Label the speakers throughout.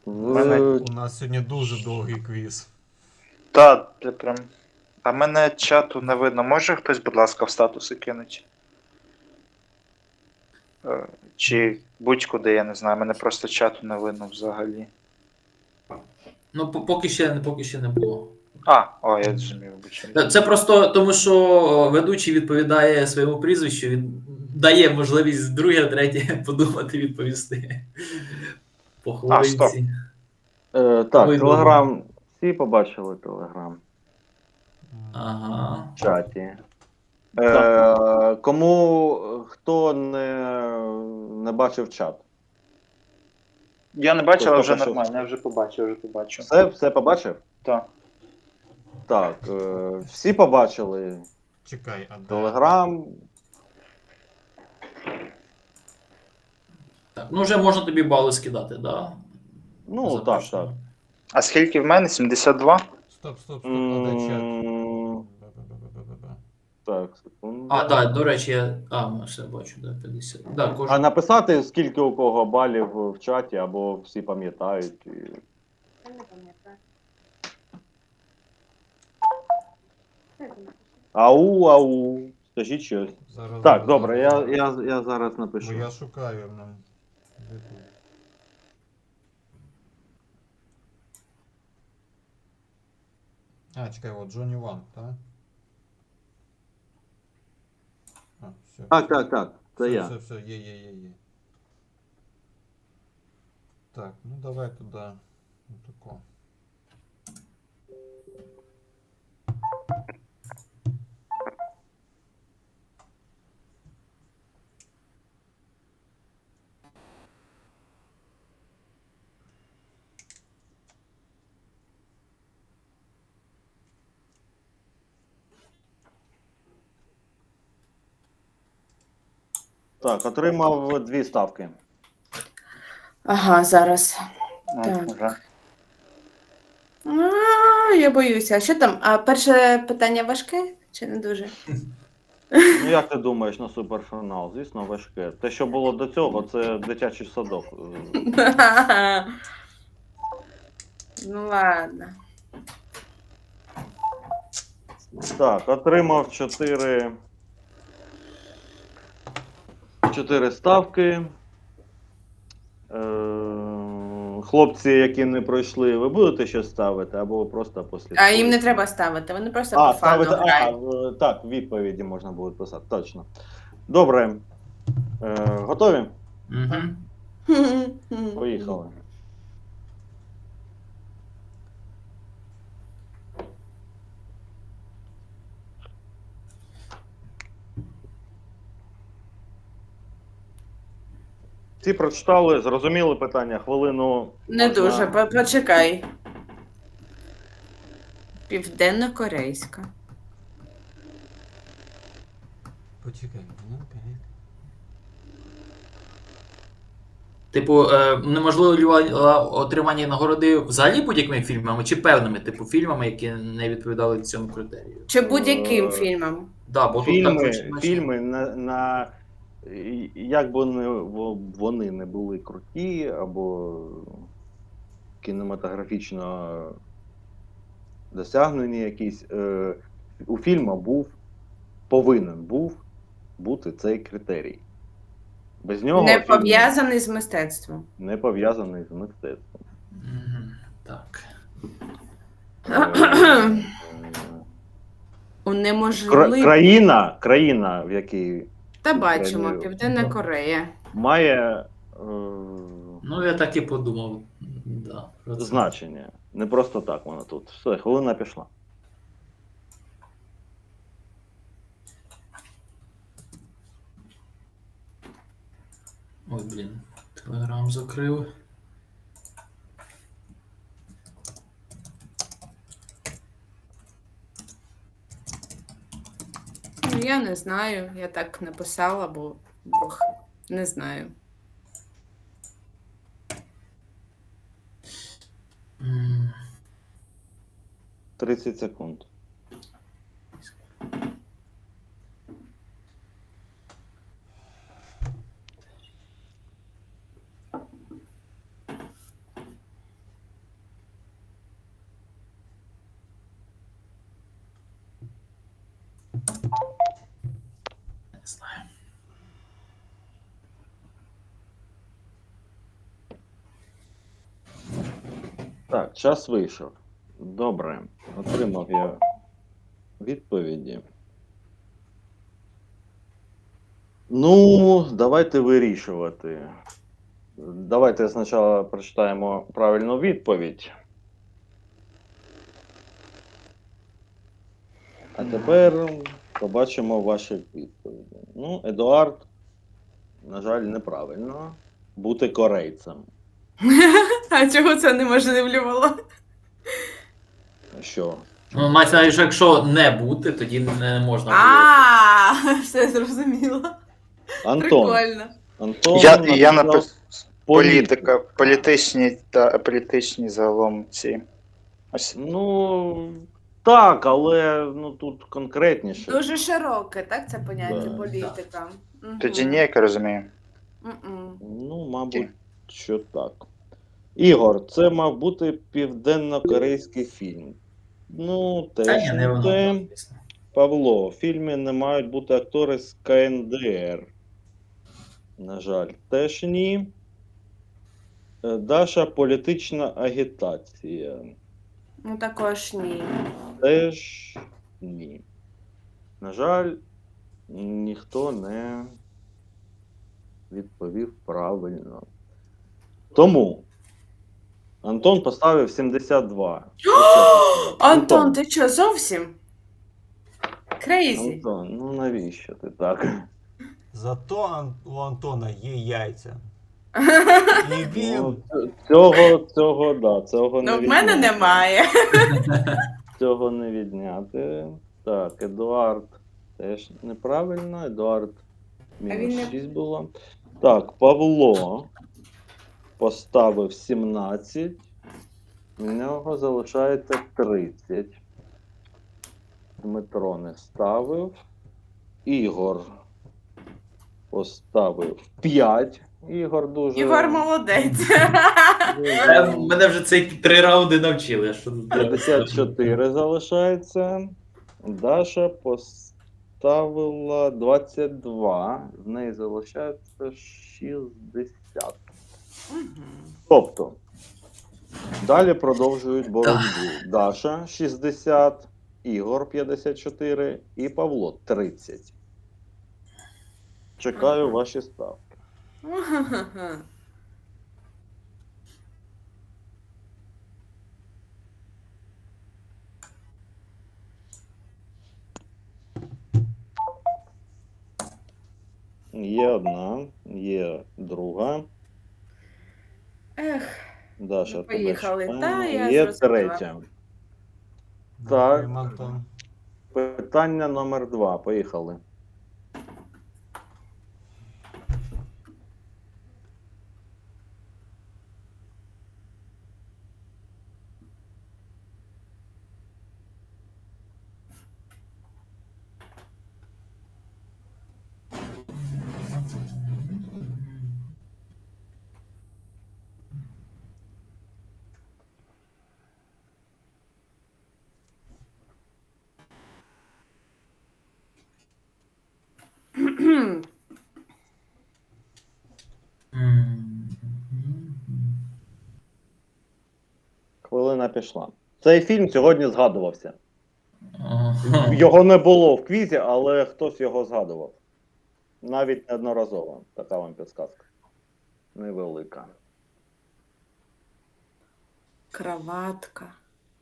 Speaker 1: Мене...
Speaker 2: У нас сьогодні дуже довгий квіз.
Speaker 1: Та, це прям. А мене чату не видно. Може хтось, будь ласка, в статуси кинуть? Чи будь-куди, я не знаю, мене просто чату не видно взагалі.
Speaker 3: Ну, поки ще не було.
Speaker 1: Я зрозумів, вибачаю.
Speaker 3: Це просто тому, що ведучий відповідає своєму прізвищу, він дає можливість друге, третє подумати, відповісти по
Speaker 1: А, стоп.
Speaker 3: хвилинці.
Speaker 4: Так, Телеграм. Всі побачили Телеграм
Speaker 3: Ага.
Speaker 4: в чаті. Хто не бачив чат?
Speaker 1: Я не бачив, але вже
Speaker 4: Тобто,
Speaker 1: нормально, я вже побачив.
Speaker 4: Все побачив?
Speaker 1: Так.
Speaker 4: Так, всі побачили
Speaker 2: Чекай, а де?
Speaker 4: Телеграм.
Speaker 3: Так, ну вже можна тобі бали скидати, да?
Speaker 4: Ну, так.
Speaker 1: А скільки в мене? 72?
Speaker 2: Стоп, а де чат? Бе-бе-бе-бе-бе-бе.
Speaker 4: Так, секунду.
Speaker 3: Так, до речі, все бачу, да, 50. Да,
Speaker 4: А
Speaker 3: кожен.
Speaker 4: написати, скільки у кого балів в чаті, або всі пам'ятають.
Speaker 5: Я не пам'ятаю.
Speaker 4: Ау. Скажіть щось.
Speaker 2: Зараз,
Speaker 4: Так, добре, я зараз напишу.
Speaker 2: Бо я шукаю. Де тут? Чекай, от Джонні Ван, так? Все.
Speaker 4: Так, це я.
Speaker 2: Все, є. Так, ну давай туди. Отако.
Speaker 4: Так, отримав 2 ставки.
Speaker 5: Ага, зараз. Так.
Speaker 1: Вже.
Speaker 5: Я боюся. Що там? А перше питання важке чи не дуже?
Speaker 4: Ну як ти думаєш на суперфінал? Звісно, важке. Те, що було до цього, це дитячий садок.
Speaker 5: Ну ладно.
Speaker 4: Так, отримав 4 ставки. Хлопці, які не пройшли, ви будете щось ставити, або просто послідкуєте?
Speaker 5: А їм не треба ставити, вони просто по фану
Speaker 4: ставити,
Speaker 5: грають.
Speaker 4: так, відповіді можна буде писати, точно. Добре. Готові?
Speaker 3: Угу.
Speaker 4: Поїхали. Всі прочитали, зрозуміли питання, хвилину.
Speaker 5: Не
Speaker 4: можна-
Speaker 5: дуже, почекай. Південно-корейська.
Speaker 2: Почекай.
Speaker 3: Типу, неможливо отримання нагороди взагалі будь-якими фільмами чи певними, типу, фільмами, які не відповідали цьому критерію?
Speaker 5: Чи будь-яким фільмом?
Speaker 3: Да, бо тут так
Speaker 4: Фільми як би вони не були круті, або кінематографічно досягнені якісь, у фільму повинен був бути цей критерій. Без нього
Speaker 5: Не
Speaker 4: фільм
Speaker 5: пов'язаний з мистецтвом.
Speaker 4: не пов'язаний з мистецтвом.
Speaker 3: Так.
Speaker 5: Унеможливо.
Speaker 4: Країна, в якій
Speaker 5: Та бачимо,
Speaker 4: Україні-
Speaker 5: Південна Корея.
Speaker 4: має
Speaker 3: Ну, я так і подумав. Да, про це.
Speaker 4: значення. Не просто так воно тут. Все, хвилина пішла.
Speaker 3: Ой, блін, телеграм закрив.
Speaker 5: Ну, я не знаю, я так написала, бо не знаю.
Speaker 4: 30 секунд.
Speaker 3: знаю.
Speaker 4: Так, час вийшов. Добре. Отримав я відповіді. Ну, давайте вирішувати. Давайте спочатку прочитаємо правильну відповідь. А тепер побачимо ваші відповіді. Ну, Едуард, на жаль, неправильно. Бути корейцем.
Speaker 5: А чого це неможливлювало?
Speaker 4: Що?
Speaker 3: Ну, мається на увазі, що якщо не бути, тоді не можна буде.
Speaker 5: А, все зрозуміло.
Speaker 4: Антон.
Speaker 5: Прикольно.
Speaker 4: Антон
Speaker 1: Я
Speaker 4: написав
Speaker 1: написав політика,
Speaker 4: політика.
Speaker 1: політичні загалом ці. Ось.
Speaker 4: Ну, так, але ну, тут конкретніше.
Speaker 5: Дуже широке, так, це поняття
Speaker 4: Да.
Speaker 5: політика. Мгм.
Speaker 1: Тоді ні, як я розумію.
Speaker 5: Мгм.
Speaker 4: Ну, мабуть, що так. Ігор, це мав бути південно-корейський фільм. Ну,
Speaker 3: Та
Speaker 4: теж
Speaker 3: ні, не
Speaker 4: не
Speaker 3: воно,
Speaker 4: те.
Speaker 3: звісно.
Speaker 4: Павло, в фільмі не мають бути актори з КНДР. На жаль, теж ні. Даша, політична агітація.
Speaker 5: Ну також ні.
Speaker 4: Теж ні. На жаль, ніхто не відповів правильно. Тому Антон поставив 72.
Speaker 5: Антон, ти що, зовсім? Крейзі.
Speaker 4: Антон, ну навіщо ти так?
Speaker 2: Зато у Антона є яйця. І він
Speaker 4: Ну, цього не
Speaker 5: Ну, в мене
Speaker 4: відняти.
Speaker 5: немає.
Speaker 4: Цього не відняти. Так, Едуард теж неправильно. Едуард
Speaker 5: він
Speaker 4: мінус
Speaker 5: не-
Speaker 4: 6 було. Так, Павло поставив 17. У нього залишається 30. Дмитро не ставив. Ігор поставив 5. Ігор дуже.
Speaker 5: Ігор молодець.
Speaker 3: Мене вже ці 3 раунди навчили. а Що тут треба?
Speaker 4: 54 залишається. Даша поставила 22. В неї залишається 60.
Speaker 5: Мгм.
Speaker 4: Тобто, далі продовжують боротьбу. Даша 60, Ігор 54 і Павло 30. Чекаю
Speaker 5: Ага.
Speaker 4: ваші ставки.
Speaker 5: Ага.
Speaker 4: Є одна, є друга.
Speaker 5: Ех,
Speaker 4: Даша,
Speaker 5: Ну,
Speaker 4: тебе
Speaker 5: поїхали.
Speaker 4: чекаємо.
Speaker 5: Та, я
Speaker 4: Є
Speaker 5: зрозуміла.
Speaker 4: третя.
Speaker 2: Дякуємо, Антон.
Speaker 4: Питання номер 2. Поїхали. Хвилина пішла. Цей фільм сьогодні згадувався.
Speaker 3: Ага.
Speaker 4: Його не було в квізі, але хтось його згадував. Навіть неодноразово. Така вам підсказка. Невелика.
Speaker 5: Краватка.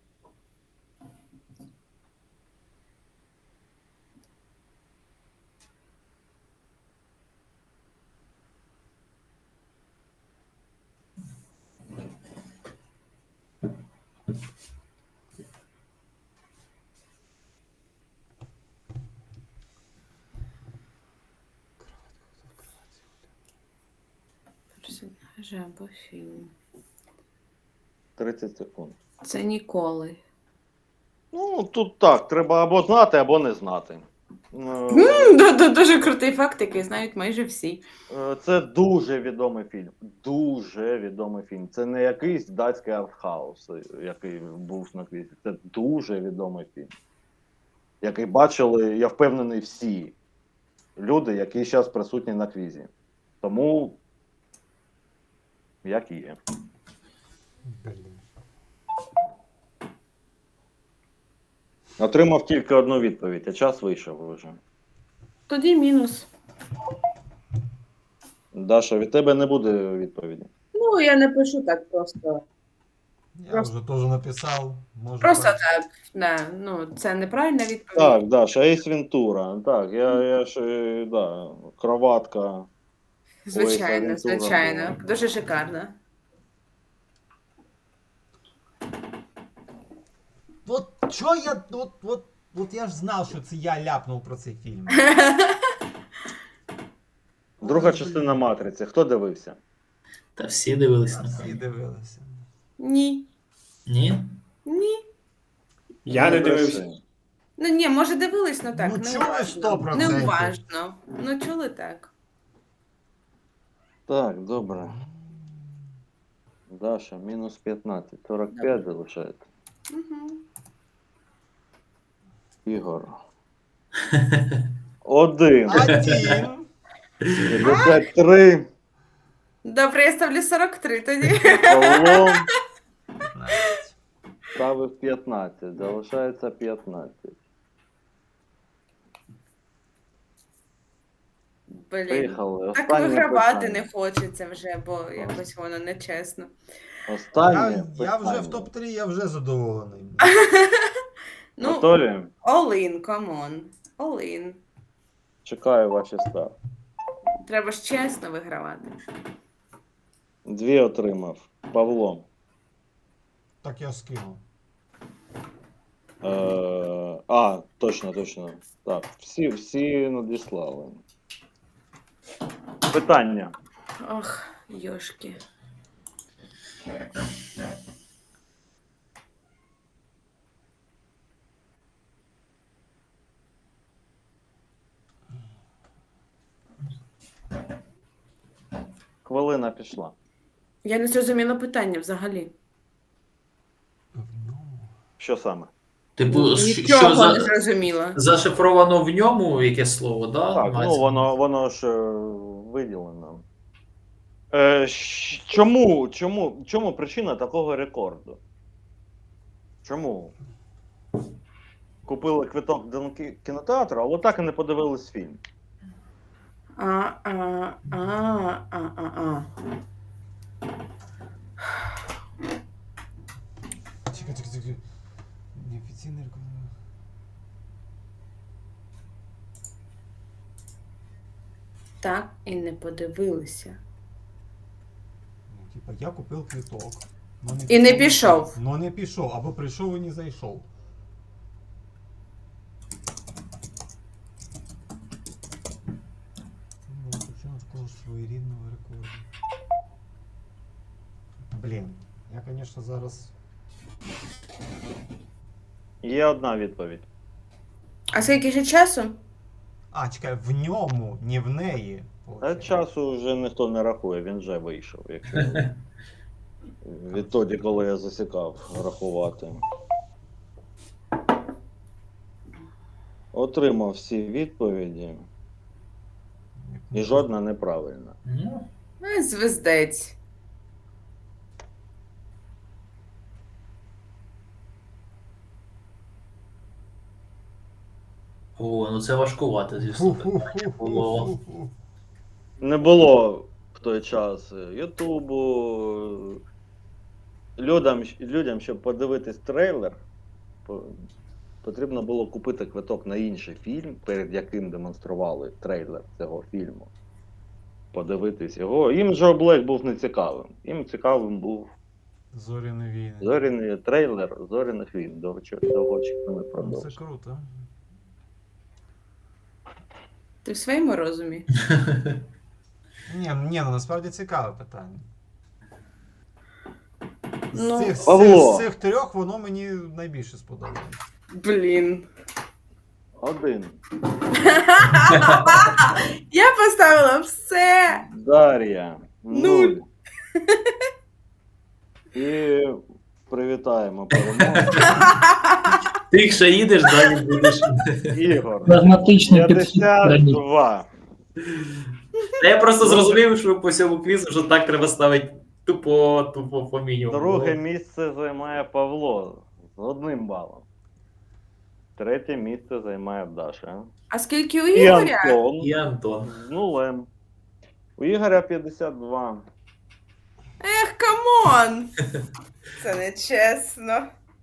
Speaker 5: Персонажі або фільм.
Speaker 4: 30 секунд.
Speaker 5: Це ніколи.
Speaker 4: Ну, тут так, треба або знати, або не знати.
Speaker 5: Дуже крутий факт, який знають майже всі.
Speaker 4: Це дуже відомий фільм. Дуже відомий фільм. Це не якийсь датський артхаус, який був на квізі. Це дуже відомий фільм. Який бачили, я впевнений, всі. люди, які зараз присутні на квізі. Тому, як є.
Speaker 2: Блін.
Speaker 4: Отримав тільки одну відповідь, а час вийшов вже.
Speaker 5: Тоді мінус.
Speaker 4: Даша, від тебе не буде відповіді.
Speaker 5: Ну, я не пишу так просто.
Speaker 2: Я
Speaker 5: Просто-
Speaker 2: вже теж написав. Може,
Speaker 5: Просто
Speaker 2: так.
Speaker 5: так. Да. Ну, це неправильна відповідь.
Speaker 4: Так, Даша, Ейс Вентура. Так, я ж, да, кроватка.
Speaker 5: Звичайно,
Speaker 4: Ой, це
Speaker 5: звичайно.
Speaker 4: Вентура
Speaker 5: Дуже шикарно.
Speaker 2: От що я. От я ж знав, що це я ляпнув про цей фільм.
Speaker 4: Друга
Speaker 2: Ой,
Speaker 4: частина
Speaker 2: блін.
Speaker 4: Матриці. Хто дивився?
Speaker 3: Та всі дивились
Speaker 2: Та
Speaker 3: на
Speaker 2: всі дивилися.
Speaker 5: Ні.
Speaker 3: Ні?
Speaker 5: Ні.
Speaker 6: Я не
Speaker 4: бреши.
Speaker 6: дивився.
Speaker 5: Ну ні, може дивились, ну так.
Speaker 2: Ну,
Speaker 5: не
Speaker 2: чули
Speaker 5: уважно.
Speaker 2: 100%.
Speaker 5: Не уважно. Ну чули так.
Speaker 4: Так, добре. Даша, мінус 15. 45 залишається.
Speaker 5: Угу.
Speaker 4: Ігор. 1.
Speaker 2: 1.
Speaker 4: 53.
Speaker 5: Добре, я ставлю 43 тоді.
Speaker 4: Павло ставив 15. Залишається 15.
Speaker 5: Блін.
Speaker 4: Поїхали.
Speaker 5: Так
Speaker 4: Останнє
Speaker 5: вигравати
Speaker 4: питання.
Speaker 5: не хочеться вже, бо якось воно нечесно.
Speaker 4: Останнє
Speaker 2: Я вже
Speaker 4: питання.
Speaker 2: в топ-3, я вже задоволений.
Speaker 5: Ну,
Speaker 4: Готові?
Speaker 5: all in, come on. All in.
Speaker 4: Чекаю ваші ставки.
Speaker 5: Треба ж чесно вигравати.
Speaker 4: 2 отримав. Павло.
Speaker 2: Так я скинув.
Speaker 4: Точно. Так, всі надіслали. Питання.
Speaker 5: Ох, йошки.
Speaker 4: Хвилина пішла.
Speaker 5: Я не зрозуміла питання взагалі.
Speaker 2: В ньому.
Speaker 4: Що саме?
Speaker 3: Типу, що
Speaker 5: Нічого не зрозуміла.
Speaker 3: зашифровано в ньому яке слово, да?
Speaker 4: Так,
Speaker 3: Мається
Speaker 4: ну
Speaker 3: на увазі?
Speaker 4: воно ж виділено. Чому причина такого рекорду? Чому? Купили квиток до кінотеатру, але так і не подивились фільм.
Speaker 5: А.
Speaker 2: Чекай. Неофіційний рекорд.
Speaker 5: Так і не подивилися.
Speaker 2: Ну, типа, я купив квиток. Но
Speaker 5: І не пішов.
Speaker 2: Но не пішов, або прийшов і не зайшов. Ну, причина такого своєрідного рекорду. Блін, я, звісно, зараз.
Speaker 4: Є одна відповідь.
Speaker 5: А скільки ще часу?
Speaker 2: А, чекай, в ньому, не в неї.
Speaker 4: А часу вже ніхто не рахує, він вже вийшов. Якщо відтоді, коли я засікав рахувати. Отримав всі відповіді, і жодна неправильна.
Speaker 3: Ну,
Speaker 5: Звездець.
Speaker 3: о, ну це важкувати, звісно. Було.
Speaker 4: Не було в той час Ютубу. Людям, щоб подивитись трейлер, потрібно було купити квиток на інший фільм, перед яким демонстрували трейлер цього фільму. Подивитись його. Їм Джо Блек був не цікавим. Їм цікавим був
Speaker 2: Зоряні війни.
Speaker 4: зоряний трейлер зоряних війн. Довгоочікуваний
Speaker 2: Ну, це
Speaker 4: продовж.
Speaker 2: круто.
Speaker 5: Ти в своєму розумі?
Speaker 2: Ні, ну насправді цікаве питання.
Speaker 5: Ну,
Speaker 4: Павло.
Speaker 2: З цих трьох воно мені найбільше сподобалось.
Speaker 5: Блін.
Speaker 4: 1.
Speaker 5: Я поставила все.
Speaker 4: Дар'я. 0.
Speaker 5: Нуль.
Speaker 4: І привітаємо перемогу.
Speaker 3: Ти якщо їдеш, далі будеш.
Speaker 4: Ігор,
Speaker 7: Прагматичний підхід.
Speaker 4: 52.
Speaker 3: Я просто зрозумів, що по цьому квізу вже так треба ставити тупо по мінімуму.
Speaker 4: Друге місце займає Павло з 1 балом. Третє місце займає Даша.
Speaker 5: А скільки у
Speaker 4: І
Speaker 5: Ігоря?
Speaker 4: Антон
Speaker 3: І Антон.
Speaker 4: з 0. У Ігоря 52.
Speaker 5: Ех, камон! Це не чесно.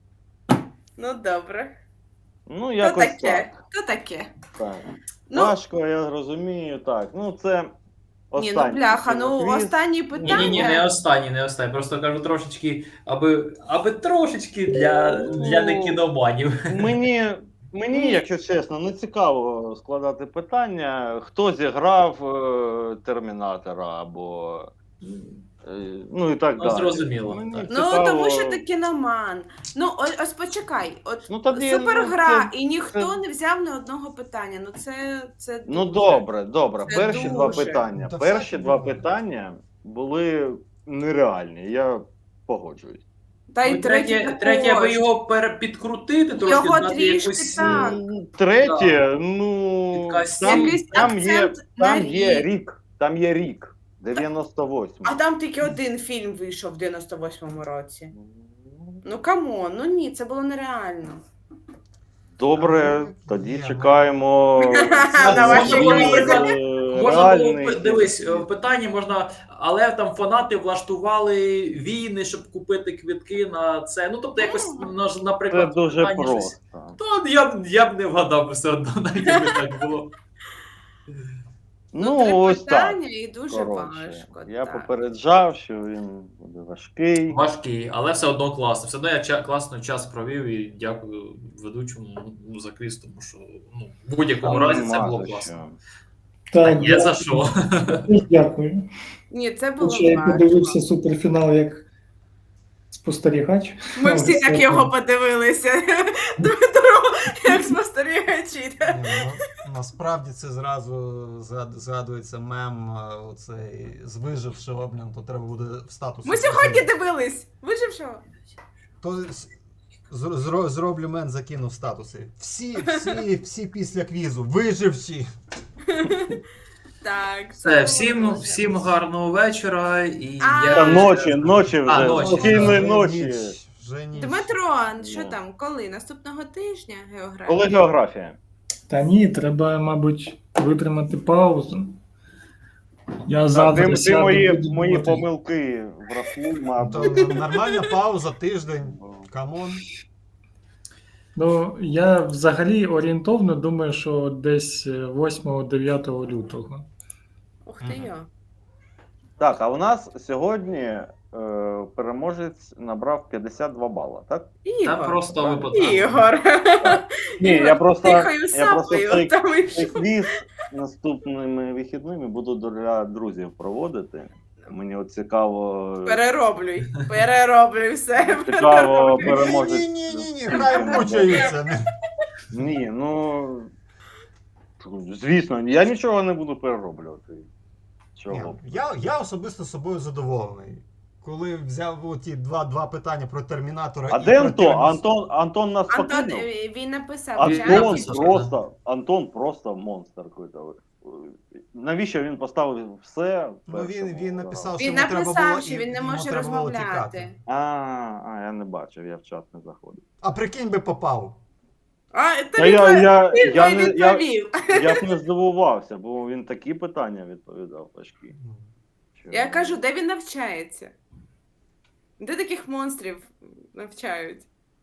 Speaker 5: Ну, добре.
Speaker 4: Ну,
Speaker 5: То
Speaker 4: якось
Speaker 5: таке,
Speaker 4: так.
Speaker 5: то таке.
Speaker 4: Так.
Speaker 5: Ну,
Speaker 4: Важко, я розумію, так. Ну, це
Speaker 5: ні,
Speaker 4: останній
Speaker 5: ну бляха, ну
Speaker 4: квіз.
Speaker 5: останні
Speaker 3: Ні,
Speaker 5: питання.
Speaker 3: не останній, не останній. Просто кажу трошечки, аби трошечки для не кіноманів.
Speaker 4: Мені, якщо чесно, не цікаво складати питання, хто зіграв Термінатора або ну і так
Speaker 3: Ну,
Speaker 4: далі.
Speaker 3: зрозуміло,
Speaker 4: Мені
Speaker 3: так.
Speaker 5: Ну,
Speaker 4: цікаво-
Speaker 5: тому що ти кіноман. Ну, ось почекай, от
Speaker 4: Ну, тоді,
Speaker 5: супергра,
Speaker 4: ну,
Speaker 5: і ніхто
Speaker 4: це-
Speaker 5: не взяв ні одного питання. Ну, це
Speaker 4: Ну
Speaker 5: дуже.
Speaker 4: добре.
Speaker 5: Це
Speaker 4: Перші два
Speaker 5: дуже.
Speaker 4: питання.
Speaker 2: Та
Speaker 4: Перші
Speaker 2: всяке
Speaker 4: два
Speaker 2: буває.
Speaker 4: питання були нереальні. Я погоджуюсь.
Speaker 5: Та й
Speaker 3: Ну,
Speaker 5: третє,
Speaker 3: третє, аби
Speaker 5: також.
Speaker 3: його підкрутити, трошки
Speaker 5: Його
Speaker 3: дати
Speaker 5: трішки
Speaker 3: якусь.
Speaker 5: так.
Speaker 4: Третє, ну
Speaker 3: Якась
Speaker 5: Якийсь
Speaker 4: там є
Speaker 5: акцент на рік.
Speaker 4: рік. Там є рік. 98.
Speaker 5: А там тільки один фільм вийшов в 98-му році. Ну камон, ну ні, це було нереально.
Speaker 4: Добре,
Speaker 2: Ну,
Speaker 4: тоді
Speaker 2: є,
Speaker 4: чекаємо.
Speaker 5: На ваші
Speaker 3: Можна було
Speaker 4: реальний
Speaker 3: дивись,
Speaker 4: хід.
Speaker 3: в питанні можна, але там фанати влаштували війни, щоб купити квитки на це. Ну тобто, якось
Speaker 4: Це
Speaker 3: наприклад,
Speaker 4: дуже
Speaker 3: питання щось.
Speaker 4: просто.
Speaker 3: То я б не вгадав все одно, навіть якби так було.
Speaker 5: Ну, три
Speaker 4: Ось так.
Speaker 5: питання і дуже
Speaker 4: Коротше,
Speaker 5: важко.
Speaker 4: я
Speaker 5: так.
Speaker 4: попереджав, що він буде важкий.
Speaker 3: Важкий, але все одно класно. Все одно я класно час провів і дякую ведучому за квіз, тому що в будь-якому
Speaker 4: Там
Speaker 3: разі це
Speaker 4: нема
Speaker 3: було
Speaker 4: за
Speaker 3: класно.
Speaker 4: що.
Speaker 3: Та
Speaker 7: Так,
Speaker 3: є за що.
Speaker 7: дякую.
Speaker 5: Ні, це було
Speaker 7: Хоча я
Speaker 5: важко.
Speaker 7: подивився суперфінал як спостерігач.
Speaker 5: Ми всі
Speaker 7: Але
Speaker 5: так
Speaker 7: все
Speaker 5: його
Speaker 7: одно.
Speaker 5: подивилися. Дмитро, як спостерігачі.
Speaker 2: Ні, ну, насправді це зразу згадується мем оцей з вижившого, то треба буде в статус.
Speaker 5: Ми сьогодні дивились. Вижившого?
Speaker 2: То зроблю мен, закину в статуси. Всі після квізу. Виживші.
Speaker 5: Так.
Speaker 3: Все,
Speaker 5: це
Speaker 3: всім,
Speaker 5: було дуже.
Speaker 3: всім гарного вечора. І
Speaker 5: А,
Speaker 3: я
Speaker 4: Та ночі вже.
Speaker 3: ночі.
Speaker 4: Спокійної
Speaker 2: Вже
Speaker 4: ночі.
Speaker 2: ніч, вже ніч.
Speaker 5: Дмитро, що
Speaker 4: Ну.
Speaker 5: там, коли? Наступного тижня географія?
Speaker 4: Коли географія?
Speaker 7: Та ні, треба, мабуть, витримати паузу. Я завтра
Speaker 4: Ти
Speaker 7: сяду,
Speaker 4: мої
Speaker 7: буду думати.
Speaker 4: помилки врахуй,
Speaker 2: То
Speaker 4: мабуть.
Speaker 2: нормальна пауза, тиждень. Камон.
Speaker 7: Ну, я взагалі орієнтовно думаю, що десь 8-9 лютого.
Speaker 5: Ух ти йо.
Speaker 4: Так, а у нас сьогодні переможець набрав 52 бала, так?
Speaker 3: Та
Speaker 5: Ігор.
Speaker 3: просто випадково.
Speaker 5: Ігор.
Speaker 4: Ні, я просто
Speaker 5: Тихою
Speaker 4: цей
Speaker 5: сапою там
Speaker 4: цей
Speaker 5: ішов.
Speaker 4: квіз наступними вихідними буду для друзів проводити. Мені от цікаво.
Speaker 5: Перероблюй все.
Speaker 4: Цікаво переможець.
Speaker 2: Ні, хай мучаються.
Speaker 4: Ні, ну звісно, я нічого не буду перероблювати.
Speaker 2: Ні,
Speaker 4: Чого?
Speaker 2: я особисто собою задоволений. Коли взяв ті два питання про Термінатора
Speaker 4: А
Speaker 2: і
Speaker 4: де
Speaker 2: про
Speaker 4: Антон? Антон нас
Speaker 5: Антон,
Speaker 4: покинув?
Speaker 5: він написав.
Speaker 4: Антон просто монстр какой-то. Навіщо він поставив все? в
Speaker 2: Ну, він
Speaker 4: першому
Speaker 2: написав,
Speaker 4: разі?
Speaker 2: що
Speaker 5: Він
Speaker 2: йому треба
Speaker 5: написав,
Speaker 2: було,
Speaker 5: що
Speaker 2: і
Speaker 5: він не
Speaker 2: йому
Speaker 5: може
Speaker 2: треба було
Speaker 5: розмовляти.
Speaker 2: тікати.
Speaker 4: Я не бачив, я в чат не заходив.
Speaker 2: А прикинь би попав.
Speaker 5: А,
Speaker 4: Та
Speaker 5: тобі відповів.
Speaker 4: я б не здивувався, бо він такі питання відповідав важкі.
Speaker 5: Я кажу, де він навчається? Де таких монстрів навчають?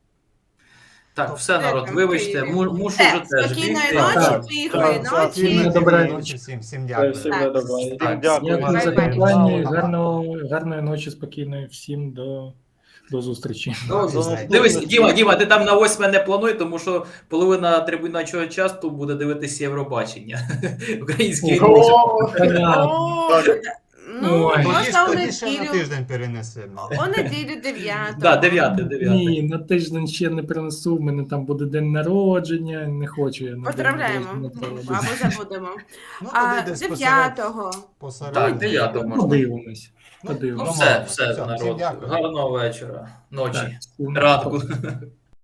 Speaker 3: Так, все, народ,
Speaker 5: там
Speaker 3: вибачте,
Speaker 5: Києві?
Speaker 3: мушу вже теж
Speaker 5: Спокійної
Speaker 3: бігти.
Speaker 5: ночі,
Speaker 7: Так,
Speaker 5: тихої
Speaker 4: так,
Speaker 5: ночі.
Speaker 7: так. Доброї ночі.
Speaker 2: Всім дякую.
Speaker 6: Всім
Speaker 5: Так.
Speaker 6: добре.
Speaker 3: Так,
Speaker 4: Дякую.
Speaker 7: Дякую за
Speaker 5: Бай-бай.
Speaker 7: питання.
Speaker 2: Ага.
Speaker 7: Гарної ночі, спокійної всім до зустрічі.
Speaker 3: Дивись, Діма, ти там на 8 не плануй, тому що половина трибуначого часу буде дивитися Євробачення. Український
Speaker 7: Понятно.
Speaker 5: О,
Speaker 4: Так.
Speaker 5: Ну, Ну,
Speaker 7: Ой.
Speaker 5: можна у
Speaker 2: Тоді ще на
Speaker 5: неділю.
Speaker 2: тиждень перенесемо.
Speaker 5: У неділю 9.
Speaker 3: Да, 9.
Speaker 7: Ні, на тиждень ще не принесу, в мене там буде день народження, не хочу я на
Speaker 5: Поздравляємо.
Speaker 7: день народження це
Speaker 5: Або
Speaker 7: робити.
Speaker 5: забудемо.
Speaker 2: Ну,
Speaker 5: А
Speaker 2: тоді десь
Speaker 5: 9-го.
Speaker 2: посеред.
Speaker 3: Так, 9 можна.
Speaker 7: Подивимось.
Speaker 3: Ну,
Speaker 7: Подивимось.
Speaker 3: все,
Speaker 2: Нормально.
Speaker 3: все,
Speaker 2: Все,
Speaker 3: народ.
Speaker 2: всім дякую.
Speaker 3: Гарного вечора, ночі,
Speaker 7: Так, всім
Speaker 3: ранку.